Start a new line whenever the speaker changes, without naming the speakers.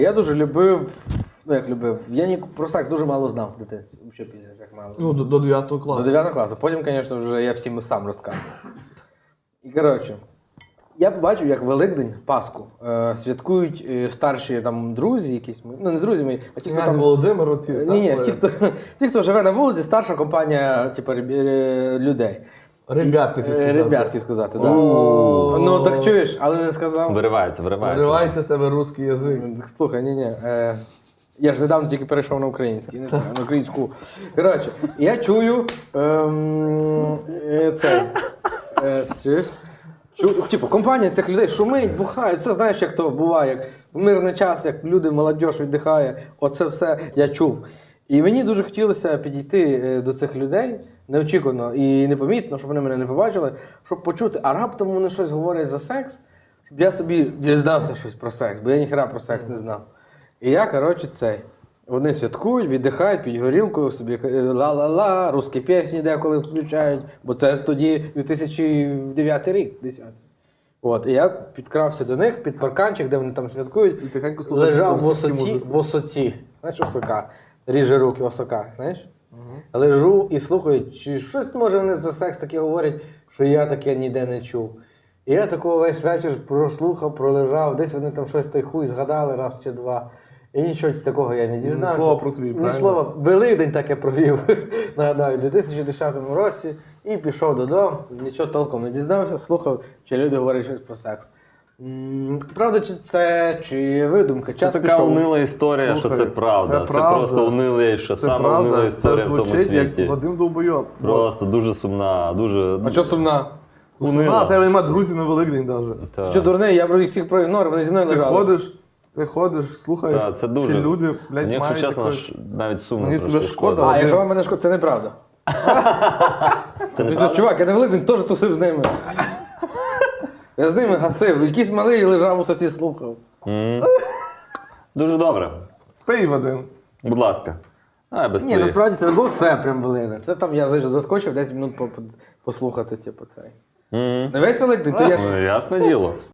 Я дуже любив, я про секс дуже мало знав в дитинстві. Взагалі, піздець, як мало.
Ну, до 9 класу.
До 9 класу. Потім, звісно, вже я всім сам розказував. І, коротше, я побачив, як Великдень, Пасху, святкують старші там друзі якісь, ну не друзі мої, а ті, хто
Князь
там...
Володимир оці.
Ні, ті, хто живе на вулиці, старша компанія, типу, людей.
Ребят, ти хотів сказати.
Ребят, хотів сказати, так. Ну, так чуєш, але не сказав.
Виривається.
Виривається з тебе русський язик.
Слухай, ні. Я ж недавно тільки перейшов на український, не знаю, на українську. Коротше, я чую чуєш? Типу, компанія цих людей шумить, бухають, це знаєш, як то буває, як в мирний час, як люди, молодь віддихає, оце все я чув. І мені дуже хотілося підійти до цих людей неочікувано і непомітно, щоб вони мене не побачили, щоб почути, а раптом вони щось говорять за секс, щоб я собі дізнався щось про секс, бо я ніхера про секс не знав. І я, коротше, вони святкують, віддихають під горілкою, собі ла-ла-ла, русські пісні деколи включають, бо це тоді 2009 рік, 10. От, і я підкрався до них під парканчик, де вони там святкують,
І тихенько слухаєш
лежав
російську музику.
в осоці, знаєш, осока, ріже руки осока, знаєш? Лежу і слухаю, чи щось може вони за секс таке говорять, що я таке ніде не чув. І я такого весь вечір прослухав, пролежав, десь вони там щось той хуй згадали раз чи два. І нічого такого я не дізнався.
Ні слова про твій, правильно?
Ні слова. Великдень таке провів, нагадаю, у 2010 році. І пішов додому, нічого толком не дізнався, слухав, чи люди говорять щось про секс. Правда, чи це, чи видумка?
Це така унила історія,
Слухай,
що це правда.
це правда.
Просто унила, що
Це
саме унила історія в цьому
звучить
світі.
як Вадим Довбойоб.
Просто дуже сумна, дуже...
А чого сумна?
Сумна, у тебе немає друзів на Великдень навіть.
Та.
Що дурний, я їх всіх проігнорив, вони зі мною лежали.
Ти ходиш, слухаєш,
Та, це дуже...
чи люди, блядь,
Мені, якщо
мають
чесно,
якось...
навіть сумно
Мені
трошки
тебе шкода.
А, якщо вам мене шкода, це неправда.
Це не
Після,
правда?
чувак, я на Великдень теж тусив з ними. Я з ними гасив, якийсь малий лежав у соці слухав.
Дуже добре.
Пий, Вадим.
Будь ласка. Без
Ні,
твоїх.
насправді це не було все прям Великдень. Це там я заскочив 10 минут послухати, типу, цей. Не весь Великдень, то я ж...
Ну, ясне діло.